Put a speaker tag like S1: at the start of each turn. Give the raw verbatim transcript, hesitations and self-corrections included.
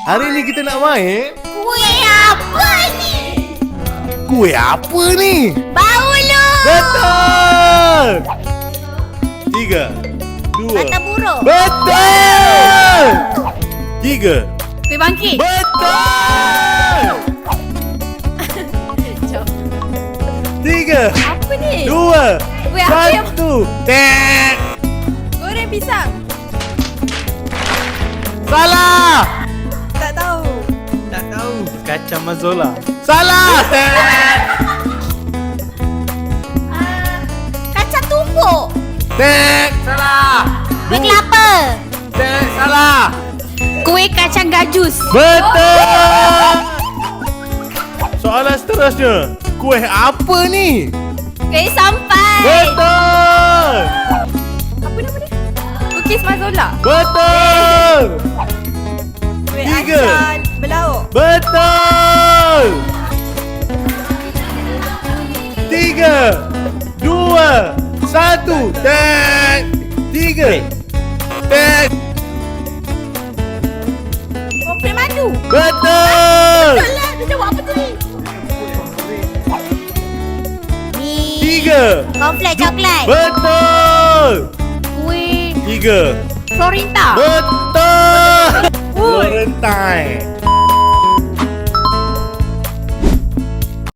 S1: Hari ni kita nak main
S2: Kuih apa ni?
S1: kuih apa ni?
S2: Bau lu.
S1: Betul! Tiga, dua.
S2: Mata buruk.
S1: Betul! Tiga.
S2: Kuih bangkit.
S1: Betul!
S2: Jom.
S1: Tiga,
S2: Apa ni?
S1: dua,
S2: Kuih apa yang-
S1: satu. Tek!
S2: Goreng pisang.
S1: Salah!
S2: Tak tahu.
S3: Tak tahu. Kacang mazola.
S1: Salah! Tek!
S2: Uh, kacang tumbuk.
S1: Tek! Salah!
S2: Kuih kelapa.
S1: Tek! Salah!
S2: Kuih kacang gajus.
S1: Betul! Soalan seterusnya. Kuih apa ni?
S2: Kuih sampai.
S1: Betul!
S2: Apa nama dia? Kukis mazola.
S1: Betul!
S2: Kuih
S1: Tiga.
S2: asam belauk.
S1: Betul! Tiga, dua, satu. Tek! Tiga. Tek!
S2: Komplek madu.
S1: Betul!
S2: Betul lah. Dia jawab apa tadi? Ni.
S1: Tiga.
S2: Komplek coklat.
S1: Betul!
S2: Kuih
S1: Tiga.
S2: Florinta.
S1: Betul!
S2: Ui.
S1: Florentine.